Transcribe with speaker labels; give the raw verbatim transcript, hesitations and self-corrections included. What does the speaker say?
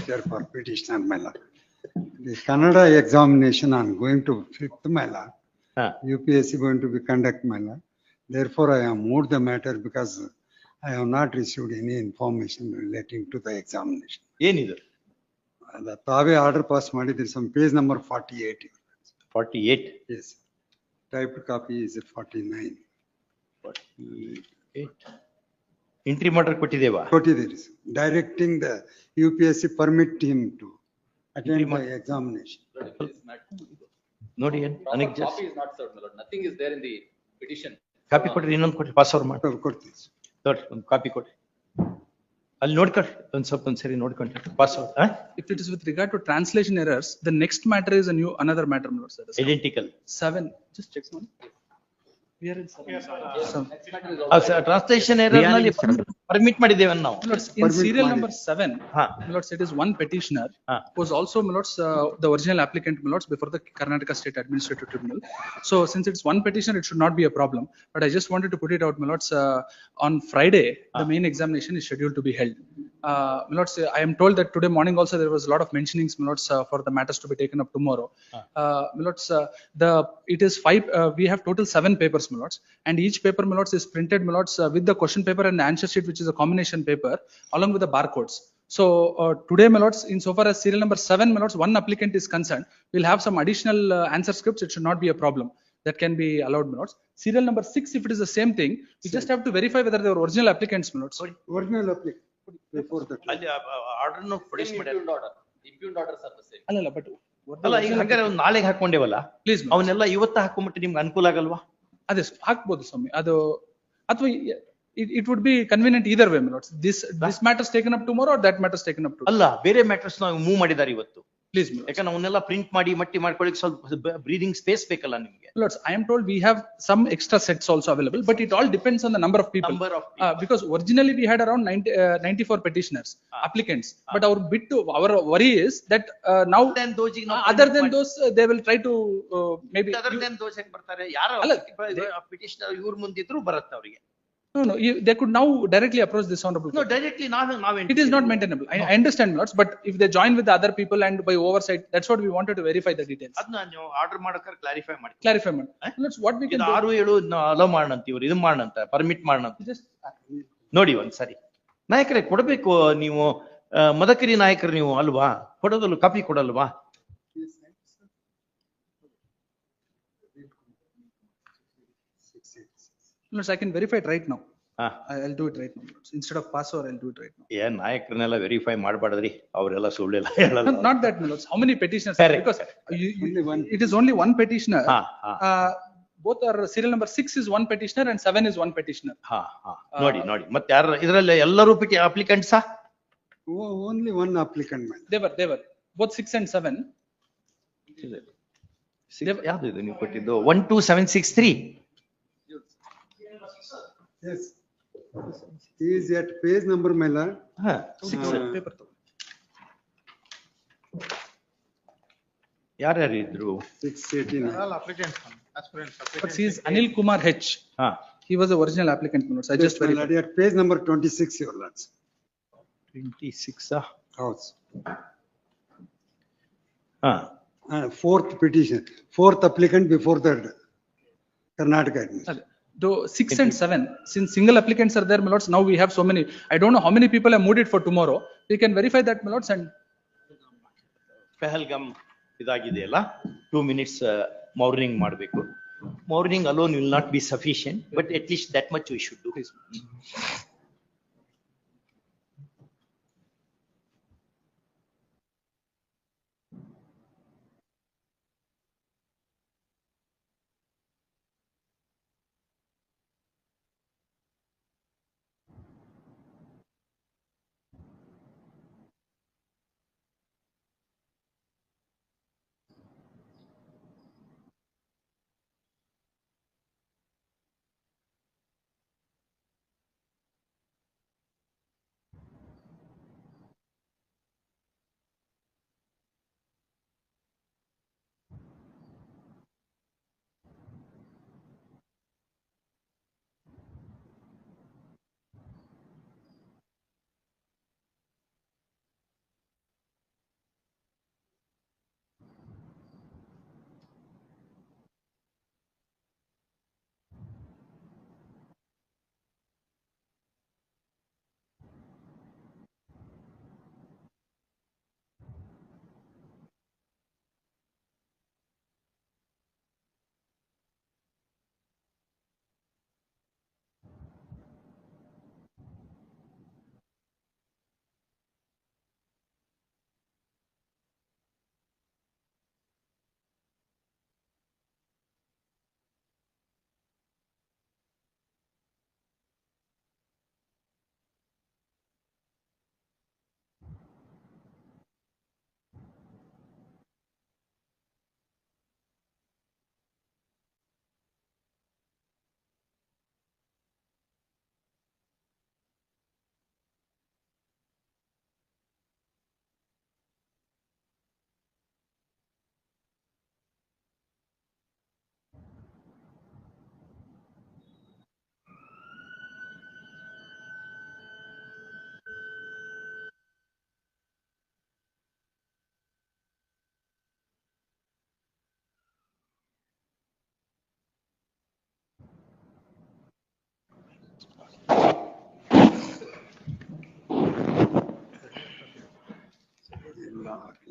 Speaker 1: there for petitioner, my lord. The Kannada examination on going to fifth, my lord.
Speaker 2: ಹಾ
Speaker 1: U P S C going to be conduct, my lord. Therefore, I have moved the matter because I have not received any information relating to the examination.
Speaker 2: ಏನಿದು
Speaker 1: The ತಾವೇ order pass ಮಾಡಿದ್ರಿ, some page number forty-eight.
Speaker 2: Forty eight
Speaker 1: Yes. Typed copy is forty-nine.
Speaker 2: Entry ಮಾಡರ್ ಕೊಟ್ಟಿದ್ದೇವಾ
Speaker 1: ಕೊಟ್ಟಿದ್ದೀರಿ, directing the U P S C permit him to attend
Speaker 2: Entry
Speaker 1: the examination.
Speaker 2: ನೋಡಿ ಏನ್ ನನಗೆ
Speaker 3: Proper copy is not served, my lord. Nothing is there in the petition.
Speaker 2: Copy ಕೊಟ್ರಿ, ಇನ್ನೊಂದು ಕೊಟ್ರಿ, pass over ಮಾಡಿ
Speaker 1: ಕೊಡ್ತೀವಿ.
Speaker 2: ನೋಡ್ರಿ ಒಂದು ಕಾಪಿ ಕೊಟ್ರಿ, ಅಲ್ಲಿ ನೋಡ್ಕೊಳ್ರಿ ಒಂದ್ ಸ್ವಲ್ಪ ಒಂದ್ಸರಿ ನೋಡ್ಕೊಂಡ್ರಿ pass over.
Speaker 4: If it is with regard to translation errors, the next matter is a new, another matter, my lord, sir.
Speaker 2: Identical
Speaker 4: Seven, just check one. We are in seven. Seven.
Speaker 2: Translation error ನಲ್ಲಿ permit ಮಾಡಿದ್ದೇವೆ ನಾವು.
Speaker 4: My lords, in
Speaker 1: Permit
Speaker 4: serial
Speaker 1: ಮಾಡಿ.
Speaker 4: number seven,
Speaker 2: ಹಾ
Speaker 4: my lords, it is one petitioner
Speaker 2: ಹಾ
Speaker 4: who was also, my lords, uh, the original applicant, my lords, before the Karnataka State Administrative Tribunal. So since it's one petitioner, it should not be a problem. But I just wanted to put it out, my lords, uh, on Friday, the main examination is scheduled to be held. Uh, my lords, I am told that today morning also there was a lot of mentionings, my lords, uh, for the matters to be taken up tomorrow. Uh, my lords, uh, the, it is five, uh, we have total seven papers, my lords, and each paper, my lords, is printed, my lords, uh, with the question paper and the answer sheet, which is a combination paper, along with the barcodes. So uh, today, my lords, insofar as serial number seven, my lords, one applicant is concerned, we'll have some additional uh, answer scripts. It should not be a problem. That can be allowed, my lords. Serial number six, if it is the same thing, we just have to verify whether they were original applicants, my lords.
Speaker 1: Original applicant before that.
Speaker 2: ಅಲ್ಲಿ order produce
Speaker 3: Same
Speaker 2: ಮಾಡ್ಯಾರ.
Speaker 3: impugned order. The impugned orders are the same.
Speaker 4: ಅಲ್ಲ, ಅಲ್ಲ, but what the
Speaker 2: ಅಲ್ಲ ಈಗ
Speaker 4: original
Speaker 2: ಹಂಗಾರೆ ಒಂದ್ ನಾಳೆಗೆ ಹಾಕೊಂಡೇವಲ್ಲ,
Speaker 4: Please, ma'am.
Speaker 2: ಅವನ್ನೆಲ್ಲ ಇವತ್ತ ಹಾಕೊಂಬಿಟ್ಟು ನಿಮ್ಗೆ ಅನುಕೂಲ ಆಗಲ್ವಾ?
Speaker 4: ಅದೇ ಹಾಕ್ಬೋದು ಸ್ವಾಮಿ, ಅದು ಅಥವಾ it, it would be convenient either way, my lords. This, this matter is taken up tomorrow or that matter is taken up today.
Speaker 2: ಅಲ್ಲ ಬೇರೆ ಮ್ಯಾಟರ್ಸ್ ನಾವು ಮೂವ್ ಮಾಡಿದಾರೆ ಇವತ್ತು.
Speaker 4: Please, my lords.
Speaker 2: ಯಾಕಂದ್ರೆ ಅವನ್ನೆಲ್ಲ ಪ್ರಿಂಟ್ ಮಾಡಿ ಮಟ್ಟಿ ಮಾಡ್ಕೊಳ್ಳಿಕ್ಕೆ ಸ್ವಲ್ಪ ಬ್ರೀದಿಂಗ್ ಸ್ಪೇಸ್ ಬೇಕಲ್ಲ ನಿಮ್ಗೆ.
Speaker 4: My lords, I am told we have some extra sets also available, but it all depends on the number of people.
Speaker 2: Number of
Speaker 4: Uh,
Speaker 2: people.
Speaker 4: because originally we had around ninety, uh, ninety-four petitioners, applicants, but our bit to, our worry is that uh, now,
Speaker 2: Then those ಗೆ ನಾವು
Speaker 4: uh, other
Speaker 2: print
Speaker 4: than
Speaker 2: ಮಾಡಿ-
Speaker 4: those, uh, they will try to uh, maybe.
Speaker 2: Other then those ಹೆಂಗ್ ಬರ್ತಾರೆ, ಯಾರು
Speaker 4: ಅಲ್ಲ,
Speaker 2: petitioner ಇವ್ರ ಮುಂದಿದ್ರು ಬರುತ್ತೆ ಅವರಿಗೆ.
Speaker 4: No, no, you, they could now directly approach this honorable
Speaker 2: no
Speaker 4: court.
Speaker 2: Directly ನಾವೇ ನಾವೇ
Speaker 4: It is not maintainable. I, I understand, my lords, but if they join with the other people and by oversight, that's what we wanted to verify the details.
Speaker 2: ಅದನ್ನ ನೀವು order ಮಾಡಕ್ಕಾರೆ clarify ಮಾಡಿ.
Speaker 4: Clarify, man. Let's, what we can
Speaker 2: ಇದು
Speaker 4: do.
Speaker 2: ಆರು ಏಳು hello ಮಾಡೋಣಂತ ಇವ್ರು ಇದು ಮಾಡೋಣಂತ permit ಮಾಡೋಣಂತ
Speaker 4: Just,
Speaker 2: ನೋಡಿ ಒಂದ್ಸರಿ. ನಾಯಕರೇ ಕೊಡ್ಬೇಕು ನೀವು, ಆ, ಮದಕರಿ ನಾಯಕರು ನೀವು ಅಲ್ವಾ, ಕೊಡೋದಲ್ಲ ಕಾಪಿ ಕೊಡಲ್ವಾ?
Speaker 4: let's, I can verify it right now.
Speaker 2: ಹಾ
Speaker 4: I- I'll do it right now. Instead of pass over, I'll do it right now.
Speaker 2: ಏನ್ ನಾಯಕರನ್ನೆಲ್ಲ ವೆರಿಫೈ ಮಾಡ್ಬಾರ್ದ್ರಿ, ಅವರೆಲ್ಲ ಸುಳ್ಳೆಲ್ಲ ಹೇಳಲ್ಲ.
Speaker 4: Not not that, my lords. How many petitioners?
Speaker 2: Correct,
Speaker 4: Because
Speaker 2: correct.
Speaker 4: you, you,
Speaker 1: Only one.
Speaker 4: it is only one petitioner.
Speaker 2: ಹಾ ಹಾ
Speaker 4: Uh, both are serial number six is one petitioner and seven is one petitioner.
Speaker 2: ಹಾ ಹಾ ನೋಡಿ ನೋಡಿ ಮತ್ತೆ ಯಾರ ಇದ್ರಲ್ಲಿ ಎಲ್ಲರೂ ಪಿಟಿ ಅಪ್ಲಿಕೆಂಟ್ಸಾ?
Speaker 1: O- Only one applicant, man.
Speaker 4: They were, they were, both six and seven.
Speaker 2: ಯಾವ್ದು ಇದು ನೀವು ಕೊಟ್ಟಿದ್ದು? One two seven six three.
Speaker 1: Yes. He is at page number, my lord.
Speaker 2: ಹಾ
Speaker 4: Six,
Speaker 1: Uh,
Speaker 4: paper ತಗೋ.
Speaker 2: ಯಾರ್ಯಾರು ಇದ್ರು?
Speaker 1: Six eighteen.
Speaker 4: But he is Anil Kumar H.
Speaker 2: ಹಾ
Speaker 4: He was the original applicant, my lords. I just
Speaker 1: Yes, my
Speaker 4: verified.
Speaker 1: lord, at page number twenty-six, your lords.
Speaker 2: Twenty six.
Speaker 1: House.
Speaker 2: ಹಾ
Speaker 1: Uh, fourth petition, fourth applicant before the Karnataka administration.
Speaker 4: ಅದೇ. Though six and seven, since single applicants are there, my lords, now we have so many. I don't know how many people have moved it for tomorrow. We can verify that, my lords, and
Speaker 2: Pahalgam ಇದಾಗಿದೆಯಲ್ಲ, two minutes mourning ಮಾಡಬೇಕು. Mourning alone will not be sufficient, but at least that much we should do.
Speaker 1: Ah, okay.